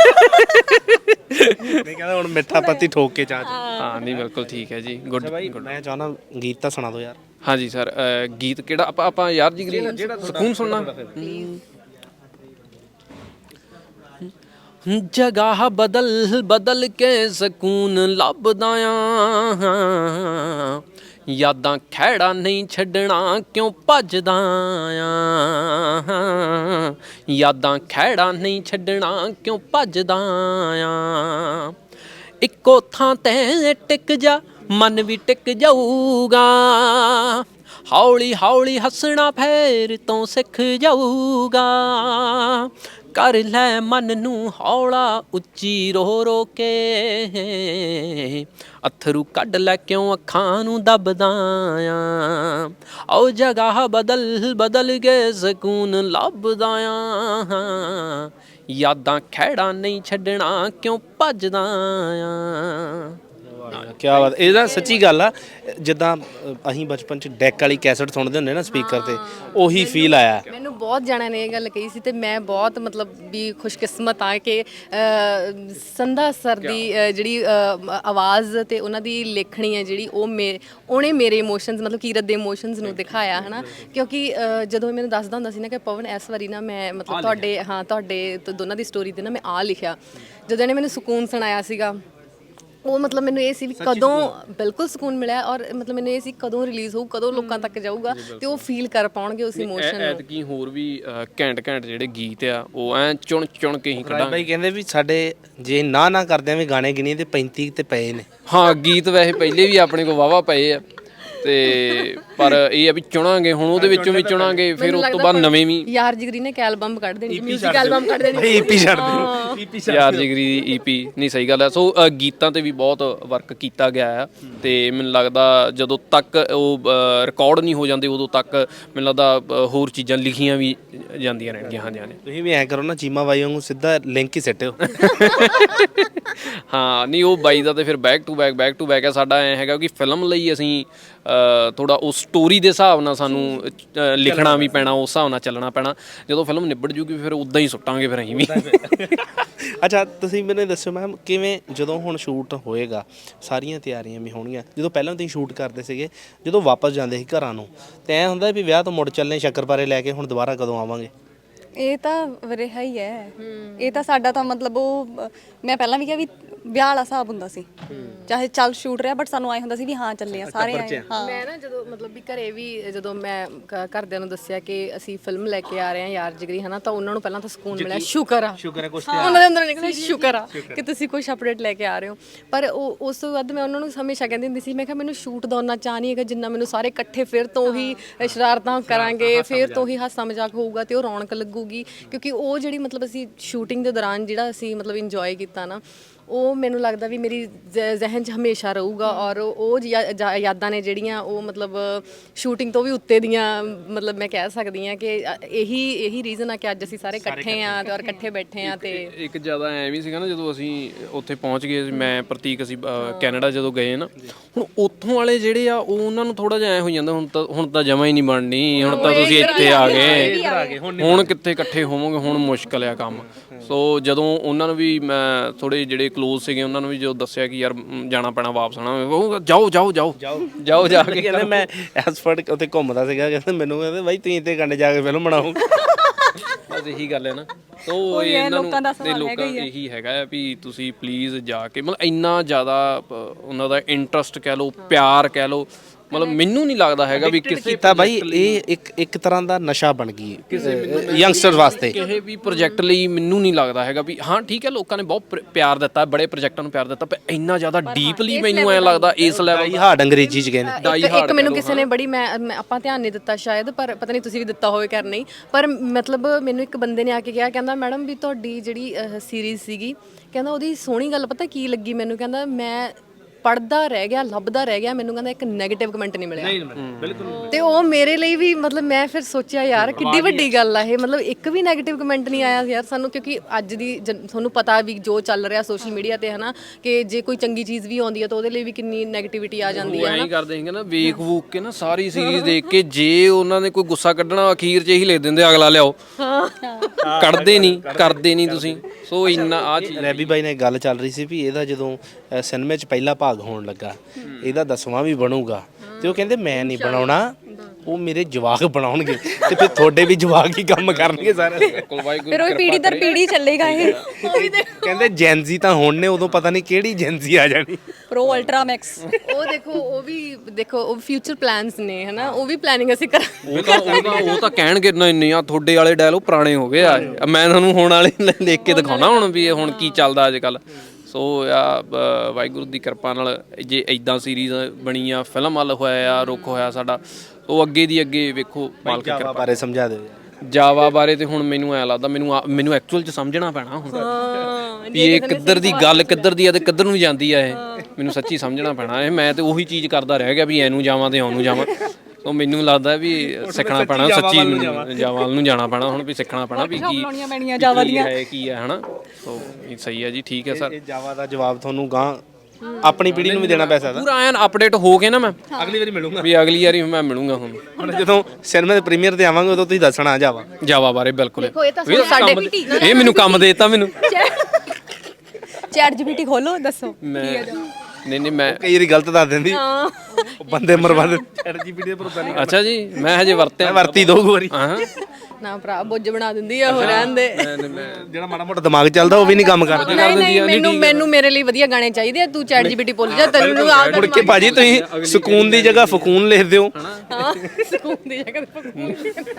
Speaker 2: ਨਹੀਂ ਕਹਿੰਦਾ ਹੁਣ ਮਿੱਠਾ ਪੱਤੀ ਠੋਕ ਕੇ ਚਾਹ।
Speaker 3: ਹਾਂ ਨਹੀਂ ਬਿਲਕੁਲ ਠੀਕ ਹੈ ਜੀ, ਗੁੱਡ।
Speaker 2: ਮੈਂ ਚਾਹਣਾ ਗੀਤ ਤਾਂ ਸੁਣਾ ਦਿਓ ਯਾਰ।
Speaker 3: ਹਾਂਜੀ ਸਰ, ਗੀਤ ਕਿਹੜਾ ਆਪਾਂ ਯਾਰ ਜਿਗਰੀ ਸਕੂਨ ਸੁਣਨਾ। ਜਗ੍ਹਾ ਬਦਲ ਕੇ ਸਕੂਨ ਲੱਭਦਾ ਆ, ਯਾਦਾਂ ਖਹਿੜਾ ਨਹੀਂ ਛੱਡਣਾ ਕਿਉਂ ਭੱਜਦਾ ਆ, ਯਾਦਾਂ ਖਹਿੜਾ ਨਹੀਂ ਛੱਡਣਾ ਕਿਉਂ ਭੱਜਦਾ ਆ, ਇੱਕੋ ਥਾਂ ਤੇ ਟਿਕ ਜਾ ਮਨ ਵੀ ਟਿਕ ਜਾਊਗਾ, ਹੌਲੀ ਹੌਲੀ ਹੱਸਣਾ ਫੇਰ ਤੋਂ ਸਿੱਖ ਜਾਊਗਾ, ਕਰ ਲੈ ਮਨ ਨੂੰ ਹੌਲਾ ਉੱਚੀ ਰੋ ਰੋ ਕੇ, ਅੱਥਰੂ ਕੱਢ ਲੈ ਕਿਉਂ ਅੱਖਾਂ ਨੂੰ ਦਬਦਾ ਆ, ਉਹ ਜਗ੍ਹਾ ਬਦਲ ਬਦਲ ਕੇ ਸਕੂਨ ਲੱਭਦਾ ਆ, ਯਾਦਾਂ ਖਹਿੜਾ ਨਹੀਂ ਛੱਡਣਾ ਕਿਉਂ ਭੱਜਦਾ ਆ।
Speaker 2: ਕੀ ਬਾਤ, ਇਹਦਾ ਸੱਚੀ ਗੱਲ ਆ। ਜਿੱਦਾਂ ਅਸੀਂ ਬਚਪਨ ਚ ਡੈਕ ਵਾਲੀ ਕੈਸਟ ਸੁਣਦੇ ਹੁੰਦੇ ਨਾ ਸਪੀਕਰ ਤੇ, ਉਹੀ ਫੀਲ ਆਇਆ।
Speaker 1: ਮੈਨੂੰ ਬਹੁਤ ਜਣਿਆਂ ਨੇ ਇਹ ਗੱਲ ਕਹੀ ਸੀ ਤੇ ਮੈਂ ਬਹੁਤ ਮਤਲਬ ਵੀ ਖੁਸ਼ਕਿਸਮਤ ਆ ਕਿ ਸੰਧਾ ਸਰ ਦੀ ਜਿਹੜੀ ਆਵਾਜ਼ ਤੇ ਉਹਨਾਂ ਦੀ ਲੇਖਣੀ ਹੈ ਜਿਹੜੀ ਉਹਨੇ ਮੇਰੇ ਇਮੋਸ਼ਨਸ ਮਤਲਬ ਕੀਰਤ ਦੇ ਇਮੋਸ਼ਨਸ ਨੂੰ ਦਿਖਾਇਆ ਹੈ ਨਾ। ਕਿਉਂਕਿ ਜਦੋਂ ਮੈਨੂੰ ਦੱਸਦਾ ਹੁੰਦਾ ਸੀ ਨਾ ਕਿ ਪਵਨ ਇਸ ਵਾਰੀ ਨਾ ਮੈਂ ਮਤਲਬ ਤੁਹਾਡੇ ਦੋਨਾਂ ਦੀ ਸਟੋਰੀ ਤੇ ਨਾ ਮੈਂ ਆ ਲਿਖਿਆ, ਜਦੋਂ ਇਹਨੇ ਮੈਨੂੰ ਸਕੂਨ ਸੁਣਾਇਆ ਸੀਗਾ, ਉਹ ਮਤਲਬ ਮੈਨੂੰ ਇਹ ਸੀ ਵੀ ਕਦੋਂ ਬਿਲਕੁਲ ਸਕੂਨ ਮਿਲਿਆ, ਔਰ ਮਤਲਬ ਮੈਨੂੰ ਇਹ ਸੀ ਕਦੋਂ ਰਿਲੀਜ਼ ਹੋਊ, ਕਦੋਂ ਲੋਕਾਂ ਤੱਕ ਜਾਊਗਾ ਤੇ ਉਹ ਫੀਲ ਕਰ ਪਾਉਣਗੇ ਉਸ ਇਮੋਸ਼ਨ ਨੂੰ।
Speaker 3: ਐਤਕੀ ਹੋਰ ਵੀ ਘੈਂਟ ਜਿਹੜੇ ਗੀਤ ਆ ਉਹ ਐ ਚੁਣ ਚੁਣ ਕੇ ਹੀ ਕੱਢਾਂ।
Speaker 2: ਬਾਈ ਕਹਿੰਦੇ ਵੀ ਸਾਡੇ ਜੇ ਨਾ ਕਰਦਿਆਂ ਵੀ ਗਾਣੇ ਗਿਣੀ ਤੇ 35 ਤੇ ਪਏ ਨੇ।
Speaker 3: ਹਾਂ, ਗੀਤ ਵੈਸੇ ਪਹਿਲੇ ਵੀ ਆਪਣੇ ਕੋਲ ਵਾਵਾ ਪਏ ਆ ਤੇ ਪਰ ਇਹ ਆ ਵੀ ਚੁਣਾਂਗੇ ਹੁਣ, ਉਹਦੇ ਵਿੱਚੋਂ ਵੀ ਚੁਣਾਂਗੇ, ਫਿਰ ਉਸ ਤੋਂ ਬਾਅਦ ਨਵੇਂ ਵੀ।
Speaker 1: ਯਾਰ ਜਿਗਰੀ ਨੇ ਐਲਬਮ ਕੱਢ ਦੇਣੀ, ਮਿਊਜ਼ਿਕ ਐਲਬਮ ਕੱਢ ਦੇਣੀ,
Speaker 2: ਈਪੀ ਛੱਡ ਦੇ,
Speaker 3: ਯਾਰ ਜਿਗਰੀ ਦੀ ਈਪੀ। ਨਹੀਂ, ਸਹੀ ਗੱਲ ਹੈ। ਸੋ ਗੀਤਾਂ ਤੇ ਵੀ ਬਹੁਤ ਵਰਕ ਕੀਤਾ ਗਿਆ ਆ ਤੇ ਮੈਨੂੰ ਲੱਗਦਾ ਜਦੋਂ ਤੱਕ ਉਹ ਰਿਕਾਰਡ ਨਹੀਂ ਹੋ ਜਾਂਦੇ ਉਦੋਂ ਤੱਕ ਮੈਨੂੰ ਲੱਗਦਾ ਹੋਰ ਚੀਜ਼ਾਂ ਲਿਖੀਆਂ ਵੀ ਜਾਂਦੀਆਂ ਰਹਿਣਗੀਆਂ। ਹਾਂਜੀ ਹਾਂਜੀ,
Speaker 2: ਤੁਸੀਂ ਵੀ ਐਂ ਕਰੋ ਨਾ, ਚੀਮਾ ਬਾਈ ਵਾਂਗੂ ਸਿੱਧਾ ਲਿੰਕ ਹੀ ਸਿੱਟਿਓ।
Speaker 3: ਹਾਂ, ਨਹੀਂ ਉਹ ਬਾਈ ਦਾ ਤੇ ਫਿਰ ਬੈਕ ਟੂ ਬੈਕ ਆ। ਸਾਡਾ ਐ ਹੈਗਾ ਕਿ ਫਿਲਮ ਲਈ ਅਸੀਂ ਥੋੜਾ ਉਸ ਸਟੋਰੀ ਦੇ ਹਿਸਾਬ ਨਾਲ ਸਾਨੂੰ ਲਿਖਣਾ ਵੀ ਪੈਣਾ, ਉਸ ਹਿਸਾਬ ਨਾਲ ਚੱਲਣਾ ਪੈਣਾ। ਜਦੋਂ ਫਿਲਮ ਨਿਬੜ ਜੂਗੀ ਫਿਰ ਉਦਾਂ ਹੀ ਸੁੱਟਾਂਗੇ ਫਿਰ ਅਸੀਂ ਵੀ।
Speaker 2: ਅੱਛਾ, ਤੁਸੀਂ ਮੈਨੂੰ ਦੱਸੋ ਮੈਮ, ਕਿਵੇਂ ਜਦੋਂ ਹੁਣ ਸ਼ੂਟ ਹੋਏਗਾ, ਸਾਰੀਆਂ ਤਿਆਰੀਆਂ ਵੀ ਹੋਣਗੀਆਂ, ਜਦੋਂ ਪਹਿਲਾਂ ਤੁਸੀਂ ਸ਼ੂਟ ਕਰਦੇ ਸੀਗੇ, ਜਦੋਂ ਵਾਪਸ ਜਾਂਦੇ ਸੀ ਘਰਾਂ ਨੂੰ, ਤੇ ਐਂ ਹੁੰਦਾ ਵੀ ਵਿਆਹ ਤੋਂ ਮੁੜ ਚੱਲਨੇ ਸ਼ੱਕਰਪਾਰੇ ਲੈ ਕੇ, ਹੁਣ ਦੁਬਾਰਾ ਕਦੋਂ ਆਵਾਂਗੇ?
Speaker 4: ਇਹ ਤਾਂ ਰਿਹਾ ਹੀ ਹੈ। ਇਹ ਤਾਂ ਸਾਡਾ ਤਾਂ ਮਤਲਬ ਉਹ ਮੈਂ ਪਹਿਲਾਂ ਵੀ ਕਿਹਾ ਵੀ ਵਿਆਹ ਵਾਲਾ ਹਿਸਾਬ ਹੁੰਦਾ ਸੀ, ਚਾਹੇ ਚੱਲ ਸ਼ੂਟ ਰਿਹਾ ਬਟ ਸਾਨੂੰ ਆਏ ਹੁੰਦਾ ਸੀ ਵੀ ਹਾਂ ਚੱਲੇ ਆ ਸਾਰੇ ਆਏ। ਹਾਂ, ਮੈਂ
Speaker 1: ਨਾ ਜਦੋਂ ਮਤਲਬ ਵੀ ਘਰੇ ਵੀ ਜਦੋਂ ਮੈਂ ਘਰਦਿਆਂ ਨੂੰ ਦੱਸਿਆ ਕਿ ਅਸੀਂ ਫਿਲਮ ਲੈ ਕੇ ਆ ਰਹੇ ਹਾਂ ਯਾਰ ਜਿਗਰੀ ਹਨਾ, ਤਾਂ ਉਹਨਾਂ ਨੂੰ ਪਹਿਲਾਂ ਤਾਂ ਸਕੂਨ ਮਿਲਿਆ, ਸ਼ੁਕਰ ਆ ਕੁਛ ਉਹਨਾਂ ਦੇ ਅੰਦਰ ਨਿਕਲਿਆ, ਸ਼ੁਕਰ ਆ ਕਿ ਤੁਸੀਂ ਕੁਝ ਅਪਡੇਟ ਲੈ ਕੇ ਆ ਰਹੇ ਹੋ। ਪਰ ਉਸ ਤੋਂ ਬਾਅਦ ਮੈਂ ਉਹਨਾਂ ਨੂੰ ਹਮੇਸ਼ਾ ਕਹਿੰਦੀ ਹੁੰਦੀ ਸੀ, ਮੈਂ ਕਿਹਾ ਮੈਨੂੰ ਸ਼ੂਟ ਦਾ ਉਹਨਾਂ ਚਾਹ ਨਹੀਂ ਹੈਗਾ ਜਿੰਨਾ ਮੈਨੂੰ ਸਾਰੇ ਇਕੱਠੇ ਫਿਰ ਤੋਂ ਹੀ ਸ਼ਰਾਰਤਾਂ ਕਰਾਂਗੇ, ਫਿਰ ਤੋਂ ਹੀ ਹਾਸਾ ਮਜ਼ਾਕ ਹੋਊਗਾ ਤੇ ਉਹ ਰੌਣਕ ਲੱਗੂਗੀ। ਕਿਉਂਕਿ ਉਹ ਜਿਹੜੀ ਮਤਲਬ ਅਸੀਂ ਸ਼ੂਟਿੰਗ ਦੇ ਦੌਰਾਨ ਜਿਹੜਾ ਅਸੀਂ ਮਤਲਬ ਇੰਜੋਏ ਕੀਤਾ ਨਾ, ਉਹ ਮੈਨੂੰ ਲੱਗਦਾ ਵੀ ਮੇਰੀ ਜ਼ਿਹਨ 'ਚ ਹਮੇਸ਼ਾ ਰਹੂਗਾ। ਔਰ ਉਹ ਯਾਦਾਂ ਨੇ ਜਿਹੜੀਆਂ ਉਹ ਮਤਲਬ ਸ਼ੂਟਿੰਗ ਤੋਂ ਵੀ ਉੱਤੇ ਦੀਆਂ, ਮਤਲਬ ਮੈਂ ਕਹਿ ਸਕਦੀ ਹਾਂ ਕਿ ਇਹੀ ਰੀਜ਼ਨ ਆ ਕਿ ਅੱਜ ਅਸੀਂ ਸਾਰੇ ਇਕੱਠੇ ਆ ਤੇ ਔਰ ਇਕੱਠੇ ਬੈਠੇ ਆ। ਤੇ
Speaker 3: ਇੱਕ ਜ਼ਿਆਦਾ ਐਵੇਂ ਸੀਗਾ ਨਾ, ਜਦੋਂ ਅਸੀਂ ਉੱਥੇ ਪਹੁੰਚ ਗਏ, ਮੈਂ ਪ੍ਰਤੀਕ ਅਸੀਂ ਕੈਨੇਡਾ ਜਦੋਂ ਗਏ ਨਾ, ਹੁਣ ਉੱਥੋਂ ਵਾਲੇ ਜਿਹੜੇ ਆ ਉਹ ਉਹਨਾਂ ਨੂੰ ਥੋੜਾ ਜਿਹਾ ਐ ਹੋ ਜਾਂਦਾ, ਹੁਣ ਤਾਂ ਜਮਾ ਹੀ ਨਹੀਂ ਬਣਨੀ, ਹੁਣ ਤਾਂ ਤੁਸੀਂ ਇੱਥੇ ਆ ਗਏ, ਹੁਣ ਕਿੱਥੇ ਇਕੱਠੇ ਹੋਵੋਗੇ, ਹੁਣ ਮੁਸ਼ਕਲ ਆ ਕੰਮ। ਸੋ ਜਦੋਂ ਉਹਨਾਂ ਨੂੰ ਵੀ ਮੈਂ ਥੋੜੇ ਜਿਹੜੇ ਕਲੋਜ਼ ਸੀਗੇ ਉਹਨਾਂ ਨੂੰ ਵੀ ਜੋ ਦੱਸਿਆ ਕਿ ਯਾਰ ਜਾਣਾ ਪੈਣਾ, ਵਾਪਸ ਆਉਣਾ, ਉਹ ਜਾਓ ਜਾ ਕੇ।
Speaker 2: ਕਹਿੰਦੇ ਮੈਂ ਐਸਫਰਡ ਉੱਥੇ ਘੁੰਮਦਾ ਸੀਗਾ, ਕਹਿੰਦੇ ਮੈਨੂੰ ਕਹਿੰਦੇ ਬਾਈ ਤੁਸੀਂ ਇੱਥੇ ਕੰਡੇ ਜਾ ਕੇ ਫਿਲਮ ਬਣਾਓ।
Speaker 3: ਬਸ ਇਹੀ ਗੱਲ ਹੈ ਨਾ। ਸੋ ਲੋਕਾਂ ਦਾ ਇਹੀ ਹੈਗਾ ਵੀ ਤੁਸੀਂ ਪਲੀਜ਼ ਜਾ ਕੇ, ਮਤਲਬ ਇੰਨਾ ਜ਼ਿਆਦਾ ਉਹਨਾਂ ਦਾ ਇੰਟਰਸਟ ਕਹਿ ਲਓ, ਪਿਆਰ ਕਹਿ ਲਓ, ਮਤਲਬ ਮੈਨੂੰ ਨਹੀਂ ਲੱਗਦਾ ਹੈਗਾ ਵੀ ਕਿਸੇ
Speaker 2: ਕੀਤਾ ਬਾਈ ਇਹ ਇੱਕ ਤਰ੍ਹਾਂ ਦਾ ਨਸ਼ਾ ਬਣ ਗਈ ਯੰਗਸਟਰ ਵਾਸਤੇ।
Speaker 3: ਕਿਸੇ ਵੀ ਪ੍ਰੋਜੈਕਟ ਲਈ ਮੈਨੂੰ ਨਹੀਂ ਲੱਗਦਾ ਹੈਗਾ ਵੀ ਹਾਂ ਠੀਕ ਹੈ, ਲੋਕਾਂ ਨੇ ਬਹੁਤ ਪਿਆਰ ਦਿੱਤਾ, ਬੜੇ ਪ੍ਰੋਜੈਕਟਾਂ ਨੂੰ ਪਿਆਰ ਦਿੱਤਾ, ਪਰ ਇੰਨਾ ਜ਼ਿਆਦਾ ਡੀਪਲੀ ਮੈਨੂੰ ਐ ਲੱਗਦਾ ਇਸ ਲੈਵਲ
Speaker 2: ਹਾਰਡ ਅੰਗਰੇਜ਼ੀ ਚ ਕਹਿੰਦੇ।
Speaker 1: ਇੱਕ ਮੈਨੂੰ ਕਿਸੇ ਨੇ ਬੜੀ ਮੈਂ ਆਪਾਂ ਧਿਆਨ ਨਹੀਂ ਦਿੱਤਾ ਸ਼ਾਇਦ, ਪਰ ਪਤਾ ਨਹੀਂ ਤੁਸੀਂ ਵੀ ਦਿੱਤਾ ਹੋਵੇ ਕਰ ਨਹੀਂ, ਪਰ ਮਤਲਬ ਮੈਨੂੰ ਇੱਕ ਬੰਦੇ ਨੇ ਆ ਕੇ ਕਿਹਾ, ਕਹਿੰਦਾ ਮੈਡਮ ਵੀ ਤੁਹਾਡੀ ਜਿਹੜੀ ਸੀਰੀਜ਼ ਸੀਗੀ, ਕਹਿੰਦਾ ਉਹਦੀ ਸੋਹਣੀ ਗੱਲ ਪਤਾ ਕੀ ਲੱਗੀ ਮੈਨੂੰ, ਕਹਿੰਦਾ ਮੈਂ ਪੜਦਾ ਰਹਿ ਗਿਆ, ਲੱਭਦਾ ਰਹਿ ਗਿਆ, ਮੈਨੂੰ ਕਹਿੰਦਾ ਇੱਕ ਨੈਗੇਟਿਵ ਕਮੈਂਟ ਨਹੀਂ ਮਿਲਿਆ। ਬਿਲਕੁਲ। ਤੇ ਉਹ ਮੇਰੇ ਲਈ ਵੀ ਮਤਲਬ ਮੈਂ ਫਿਰ ਸੋਚਿਆ ਯਾਰ ਕਿੱਡੀ ਵੱਡੀ ਗੱਲ ਆ ਇਹ, ਮਤਲਬ ਇੱਕ ਵੀ ਨੈਗੇਟਿਵ ਕਮੈਂਟ ਨਹੀਂ ਆਇਆ ਯਾਰ ਸਾਨੂੰ। ਕਿਉਂਕਿ ਅੱਜ ਦੀ ਤੁਹਾਨੂੰ ਪਤਾ ਵੀ ਜੋ ਚੱਲ ਰਿਹਾ ਸੋਸ਼ਲ ਮੀਡੀਆ ਤੇ ਹਨਾ, ਕਿ ਜੇ ਕੋਈ ਚੰਗੀ ਚੀਜ਼ ਵੀ ਆਉਂਦੀ ਹੈ ਤਾਂ ਉਹਦੇ ਲਈ ਵੀ ਕਿੰਨੀ ਨੈਗੇਟਿਵਿਟੀ ਆ ਜਾਂਦੀ ਹੈ।
Speaker 3: ਐਂ ਕਰਦੇ ਸੀਗੇ ਨਾ, ਵੇਖ ਵੂਕ ਕੇ ਨਾ ਸਾਰੀ ਸੀਰੀਜ਼ ਦੇਖ ਕੇ, ਜੇ ਉਹਨਾਂ ਨੇ ਕੋਈ ਗੁੱਸਾ ਕੱਢਣਾ ਅਖੀਰ 'ਚ ਇਹੀ ਲਿਖ ਦਿੰਦੇ ਅਗਲਾ ਲਿਆਓ, ਕੱਢਦੇ ਨਹੀਂ, ਕਰਦੇ ਨਹੀਂ ਤੁਸੀਂ। ਸੋ ਇੰਨਾ ਆ ਚੀਜ਼
Speaker 2: ਰੈਬੀ ਬਾਈ ਨਾਲ ਗੱਲ ਚੱਲ ਰਹੀ ਸੀ ਵੀ ਇਹਦਾ ਜਦੋਂ ਸਿਨੇਮੇ 'ਚ ਪਹਿਲਾ ਭਾਗ ਹੋਣ ਲੱਗਾ, ਇਹਦਾ 10ਵਾਂ ਵੀ ਬਣੂਗਾ, ਤੇ ਉਹ ਕਹਿੰਦੇ ਮੈਂ ਨਹੀਂ ਬਣਾਉਣਾ, ਉਹ ਮੇਰੇ ਜਵਾਕ ਬਣਾਉਣਗੇ, ਤੇ ਫਿਰ ਤੁਹਾਡੇ ਵੀ ਜਵਾਕ ਹੀ ਕੰਮ ਕਰਨਗੇ ਸਾਰੇ।
Speaker 4: ਫਿਰ ਉਹ ਪੀੜੀ ਦਰ ਪੀੜੀ ਚੱਲੇਗਾ ਇਹ।
Speaker 2: ਕਹਿੰਦੇ ਜੈਨਜ਼ੀ ਤਾਂ ਹੁਣ ਨੇ, ਉਦੋਂ ਪਤਾ ਨਹੀਂ ਕਿਹੜੀ ਜੈਨਜ਼ੀ ਆ ਜਾਣੀ।
Speaker 4: ਪ੍ਰੋ ਅਲਟਰਾ ਮੈਕਸ
Speaker 1: ਉਹ ਦੇਖੋ ਉਹ ਫਿਊਚਰ ਪਲਾਨਸ ਨੇ ਹਨਾ, ਉਹ ਵੀ ਪਲੈਨਿੰਗ ਅਸੀਂ ਕਰ।
Speaker 3: ਉਹ ਤਾਂ ਕਹਿਣਗੇ ਨਹੀਂ ਆ ਤੁਹਾਡੇ ਵਾਲੇ ਡਾਇਲੋਗ ਪੁਰਾਣੇ ਹੋ ਗਏ ਆ, ਮੈਂ ਤੁਹਾਨੂੰ ਹੁਣ ਵਾਲੇ ਲਿਖ ਕੇ ਦਿਖਾਉਣਾ ਹੁਣ ਵੀ ਇਹ ਹੁਣ ਕੀ ਚੱਲਦਾ ਅੱਜ ਕੱਲ। ਸੋ ਆ ਵਾਹਿਗੁਰੂ ਦੀ ਕਿਰਪਾ ਨਾਲ ਜੇ ਇਦਾਂ ਸੀਰੀਜ਼ ਬਣੀ ਆ, ਫਿਲਮ ਵੱਲ ਹੋਇਆ ਆ ਰੁੱਖ ਹੋਇਆ ਸਾਡਾ, ਉਹ ਅੱਗੇ ਦੀ ਅੱਗੇ ਵੇਖੋ ਮਾਲਕ ਦੀ
Speaker 2: ਜਾਵਾ ਬਾਰੇ ਸਮਝਾ ਦਿਓ ਯਾਰ।
Speaker 3: ਜਾਵਾ ਬਾਰੇ ਤੇ ਹੁਣ ਮੈਨੂੰ ਐ ਲੱਗਦਾ ਮੈਨੂੰ ਐਕਚੁਅਲ ਚ ਸਮਝਣਾ ਪੈਣਾ ਹੁਣ ਵੀ ਇਹ ਕਿੱਧਰ ਦੀ ਗੱਲ ਕਿੱਧਰ ਦੀ ਆ ਤੇ ਕਿੱਧਰ ਨੂੰ ਜਾਂਦੀ ਆ, ਇਹ ਮੈਨੂੰ ਸੱਚੀ ਸਮਝਣਾ ਪੈਣਾ। ਇਹ ਮੈਂ ਤੇ ਉਹੀ ਚੀਜ਼ ਕਰਦਾ ਰਹਿ ਗਿਆ ਵੀ ਐਨੂੰ ਜਾਵਾਂ ਤੇ ਉਹਨੂੰ ਜਾਵਾਂ। ਉਹ ਮੈਨੂੰ ਲੱਗਦਾ ਵੀ ਸਿੱਖਣਾ ਪੈਣਾ, ਸੱਚੀ ਜਾਵਾ ਨੂੰ ਜਾਣਾ ਪੈਣਾ ਹੁਣ, ਵੀ ਸਿੱਖਣਾ ਪੈਣਾ ਵੀ ਕੀ ਹੈ ਕੀ ਹੈ ਹਨਾ। ਸੋ ਇਹ ਸਹੀ ਹੈ ਜੀ, ਠੀਕ ਹੈ ਸਰ।
Speaker 2: ਇਹ ਜਾਵਾ ਦਾ ਜਵਾਬ ਤੁਹਾਨੂੰ ਗਾਂ ਆਪਣੀ ਪੀੜ੍ਹੀ ਨੂੰ ਵੀ ਦੇਣਾ ਪੈ ਸਕਦਾ।
Speaker 3: ਪੂਰਾ ਐਨ ਅਪਡੇਟ ਹੋ ਕੇ ਨਾ ਮੈਂ
Speaker 2: ਅਗਲੀ ਵਾਰੀ ਮਿਲੂੰਗਾ,
Speaker 3: ਵੀ ਅਗਲੀ ਵਾਰੀ ਮੈਂ ਮਿਲੂੰਗਾ ਹੁਣ
Speaker 2: ਜਦੋਂ ਸਿਨੇਮਾ ਦੇ ਪ੍ਰੀਮੀਅਰ ਤੇ ਆਵਾਂਗੇ ਉਦੋਂ ਤੁਸੀਂ ਦੱਸਣਾ ਜਾਵਾ
Speaker 3: ਬਾਰੇ। ਬਿਲਕੁਲ
Speaker 1: ਇਹ
Speaker 3: ਇਹ ਮੈਨੂੰ ਕੰਮ ਦੇ ਦਿੱਤਾ ਮੈਨੂੰ।
Speaker 4: ਚੈਟ ਜੀਪੀਟੀ ਖੋਲੋ, ਦੱਸੋ
Speaker 3: ਨਹੀਂ ਮੈਂ
Speaker 2: ਕਈ ਵਾਰੀ ਗਲਤ ਦੱਸ ਦਿੰਦੀ, ਉਹ ਬੰਦੇ ਮਰਵਾ ਦੇ ਚੈਟ ਜੀਪੀਟੀ ਦੇ ਭਰੋਸਾ ਨਹੀਂ।
Speaker 3: ਅੱਛਾ ਜੀ, ਮੈਂ ਹਜੇ ਵਰਤਿਆ
Speaker 2: ਵਰਤੀ ਦੋ ਵਾਰੀ
Speaker 3: ਹਾਂ
Speaker 1: ਨਾ ਭਰਾ ਬੁੱਝ ਬਣਾ ਦਿੰਦੀ ਆ, ਹੋ ਰਹਿਣ ਦੇ।
Speaker 2: ਜਿਹੜਾ ਮਾੜਾ ਮੋਟਾ ਦਿਮਾਗ ਚੱਲਦਾ ਉਹ ਵੀ ਨਹੀਂ ਕੰਮ ਕਰਦਾ।
Speaker 1: ਮੈਨੂੰ ਮੇਰੇ ਲਈ ਵਧੀਆ ਗਾਣੇ ਚਾਹੀਦੇ ਆ, ਤੂੰ ਚੈਟ ਜੀਪੀਟੀ ਭੁੱਲ ਜਾ, ਤੈਨੂੰ
Speaker 2: ਮੁੜ ਕੇ ਭਾਜੀ ਤੁਸੀਂ ਸਕੂਨ ਦੀ ਜਗ੍ਹਾ ਫਕੂਨ ਲਿਖ ਦਿਓ।
Speaker 1: ਹਾਂ ਸਕੂਨ ਦੀ ਜਗ੍ਹਾ ਤੇ ਫਕੂਨ।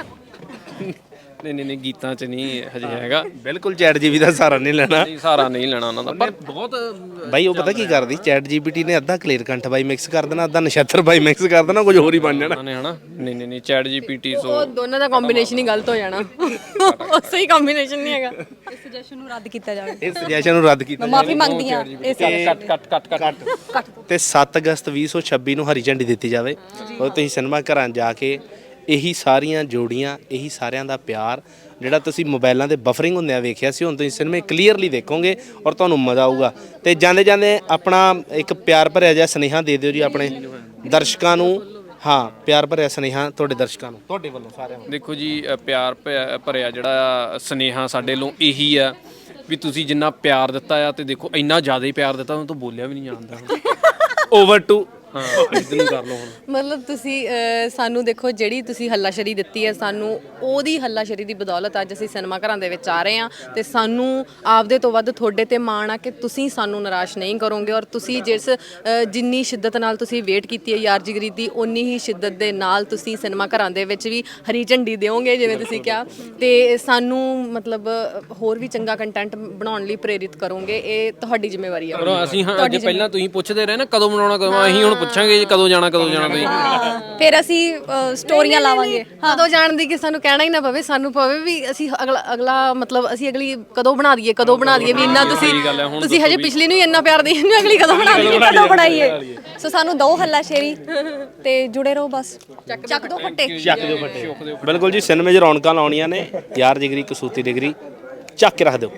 Speaker 3: ਨਹੀਂ ਗੀਤਾਂ 'ਚ ਨਹੀਂ ਹਜੇ ਹੈਗਾ।
Speaker 2: ਬਿਲਕੁਲ ਚੈਟ ਜੀਪੀਟੀ ਦਾ ਸਹਾਰਾ ਨਹੀਂ ਲੈਣਾ,
Speaker 3: ਸਹਾਰਾ ਨਹੀਂ ਲੈਣਾ ਉਹਨਾਂ ਦਾ, ਪਰ ਬਹੁਤ
Speaker 2: ਬਾਈ ਉਹ ਪਤਾ ਕੀ ਕਰਦੀ ਚੈਟ ਜੀਪੀਟੀ ਨੇ ਅੱਧਾ ਕਲੀਅਰ ਕੰਠ ਬਾਈ ਮਿਕਸ ਕਰ ਦੇਣਾ, ਅੱਧਾ ਨਛੱਤਰ ਬਾਈ ਮਿਕਸ ਕਰ ਦੇਣਾ, ਕੁਝ ਹੋਰ ਹੀ ਬਣ ਜਾਣਾ
Speaker 3: ਨੇ ਹਨਾ। ਨਹੀਂ ਚੈਟ ਜੀਪੀਟੀ
Speaker 1: ਉਹ ਦੋਨਾਂ ਦਾ ਕੰਬੀਨੇਸ਼ਨ ਹੀ ਗਲਤ ਹੋ ਜਾਣਾ, ਉਹ ਸਹੀ ਕੰਬੀਨੇਸ਼ਨ ਨਹੀਂ ਹੈਗਾ।
Speaker 4: ਇਸ ਸੁਜੈਸ਼ਨ ਨੂੰ ਰੱਦ ਕੀਤਾ ਜਾਵੇ,
Speaker 2: ਇਹ ਸੁਜੈਸ਼ਨ ਨੂੰ ਰੱਦ ਕੀਤਾ
Speaker 4: ਮੈਂ ਮਾਫੀ ਮੰਗਦੀ ਹਾਂ। ਇਹ
Speaker 3: ਕੱਟ
Speaker 2: ਤੇ 7 ਅਗਸਤ 2026 ਨੂੰ ਹਰੀ ਝੰਡੀ ਦਿੱਤੀ ਜਾਵੇ, ਉਹ ਤੁਸੀਂ ਸਿਨੇਮਾ ਘਰਾਂ ਜਾ ਕੇ ਇਹੀ ਸਾਰੀਆਂ ਜੋੜੀਆਂ, ਇਹੀ ਸਾਰਿਆਂ ਦਾ ਪਿਆਰ ਜਿਹੜਾ ਤੁਸੀਂ ਮੋਬਾਈਲਾਂ ਦੇ ਬਫਰਿੰਗ ਹੁੰਦਿਆਂ ਵੇਖਿਆ ਸੀ, ਹੁਣ ਤੁਸੀਂ ਸਿਨੇਮੇ ਕਲੀਅਰਲੀ ਦੇਖੋਗੇ ਔਰ ਤੁਹਾਨੂੰ ਮਜ਼ਾ ਆਊਗਾ। ਤੇ ਜਾਂਦੇ ਜਾਂਦੇ ਆਪਣਾ ਇੱਕ ਪਿਆਰ ਭਰਿਆ ਜਿਹਾ ਸੁਨੇਹਾ ਦੇ ਦਿਓ ਜੀ ਆਪਣੇ ਦਰਸ਼ਕਾਂ ਨੂੰ। ਹਾਂ, ਪਿਆਰ ਭਰਿਆ ਸੁਨੇਹਾ ਤੁਹਾਡੇ ਦਰਸ਼ਕਾਂ ਨੂੰ, ਤੁਹਾਡੇ ਵੱਲੋਂ ਸਾਰਿਆਂ ਨੂੰ।
Speaker 3: ਦੇਖੋ ਜੀ, ਪਿਆਰ ਭਰਿਆ ਜਿਹੜਾ ਸੁਨੇਹਾ ਸਾਡੇ ਵੱਲੋਂ ਇਹੀ ਆ ਵੀ ਤੁਸੀਂ ਜਿੰਨਾ ਪਿਆਰ ਦਿੱਤਾ ਆ, ਤੇ ਦੇਖੋ ਇੰਨਾ ਜ਼ਿਆਦਾ ਹੀ ਪਿਆਰ ਦਿੱਤਾ, ਉਹਨੂੰ ਤਾਂ ਬੋਲਿਆ ਵੀ ਨਹੀਂ ਜਾਂਦਾ।
Speaker 2: ਓਵਰ ਟੂ
Speaker 3: ਹਾਂ ਇਦਾਂ ਨੂੰ ਕਰ ਲਓ ਹੁਣ।
Speaker 1: ਮਤਲਬ ਤੁਸੀਂ ਸਾਨੂੰ ਦੇਖੋ, ਜਿਹੜੀ ਤੁਸੀਂ ਹੱਲਾਸ਼ੇਰੀ ਦਿੱਤੀ ਹੈ ਸਾਨੂੰ, ਉਹਦੀ ਹੱਲਾਸ਼ੇਰੀ ਦੀ ਬਦੌਲਤ ਅੱਜ ਅਸੀਂ ਸਿਨੇਮਾ ਘਰਾਂ ਦੇ ਵਿੱਚ ਆ ਰਹੇ ਹਾਂ, ਤੇ ਸਾਨੂੰ ਆਪਦੇ ਤੋਂ ਵੱਧ ਤੁਹਾਡੇ ਤੇ ਮਾਣ ਆ ਕਿ ਤੁਸੀਂ ਸਾਨੂੰ ਨਿਰਾਸ਼ ਨਹੀਂ ਕਰੋਗੇ, ਔਰ ਤੁਸੀਂ ਜਿੰਨੀ ਸ਼ਿੱਦਤ ਨਾਲ ਤੁਸੀਂ ਵੇਟ ਕੀਤੀ ਹੈ ਯਾਰ ਜਿਗਰੀ ਦੀ, ਉਨੀ ਹੀ ਸ਼ਿੱਦਤ ਦੇ ਨਾਲ ਤੁਸੀਂ ਸਿਨੇਮਾ ਘਰਾਂ ਦੇ ਵਿੱਚ ਵੀ ਹਰੀ ਝੰਡੀ ਦਿਓਗੇ ਜਿਵੇਂ ਤੁਸੀਂ ਕਿਹਾ, ਤੇ ਸਾਨੂੰ ਮਤਲਬ ਹੋਰ ਵੀ ਚੰਗਾ ਕੰਟੈਂਟ ਬਣਾਉਣ ਲਈ ਪ੍ਰੇਰਿਤ ਕਰੋਗੇ। ਇਹ ਤੁਹਾਡੀ ਜ਼ਿੰਮੇਵਾਰੀ ਹੈ।
Speaker 3: ਅਸੀਂ ਹਾਂ ਅੱਗੇ ਪਹਿਲਾਂ ਤੁਸੀਂ ਪੁੱਛਦੇ ਰਹੇ ਨਾ ਕਦੋਂ ਬਣਾਉਣਾ, ਕਦੋਂ, ਅਸੀਂ ਹੁਣ ਪੁੱਛਾਂਗੇ ਜੀ ਕਦੋਂ ਜਾਣਾ ਤੁਸੀਂ।
Speaker 4: ਫਿਰ ਅਸੀਂ ਸਟੋਰੀਆਂ ਲਾਵਾਂਗੇ।
Speaker 1: ਕਦੋਂ ਜਾਣ ਦੀ ਕਿ ਸਾਨੂੰ ਕਹਿਣਾ ਹੀ ਨਾ ਪਵੇ, ਸਾਨੂੰ ਪਵੇ ਵੀ ਅਸੀਂ ਅਗਲਾ ਮਤਲਬ ਅਸੀਂ ਅਗਲੀ ਕਦੋਂ ਬਣਾ ਦਈਏ ਵੀ ਇੰਨਾ ਤੁਸੀਂ ਹਜੇ ਪਿਛਲੀ ਨੂੰ ਹੀ ਇੰਨਾ ਪਿਆਰ ਦੇਈ, ਅਗਲੀ ਕਦੋਂ
Speaker 4: ਬਣਾਈਏ। ਸੋ ਸਾਨੂੰ ਦੋ ਹੱਲਾਸ਼ੇਰੀ ਤੇ ਜੁੜੇ ਰਹੋ, ਬਸ ਚੱਕ ਦੋ ਫੱਟੇ।
Speaker 2: ਬਿਲਕੁਲ ਜੀ, ਸਿਨੇਮੇ 'ਚ ਰੌਣਕਾਂ ਲਾਉਣੀਆਂ ਨੇ, ਯਾਰ ਜਿਗਰੀ ਕਸੂਤੀ ਡਿਗਰੀ ਚੱਕ ਕੇ ਰੱਖ ਦਿਓ।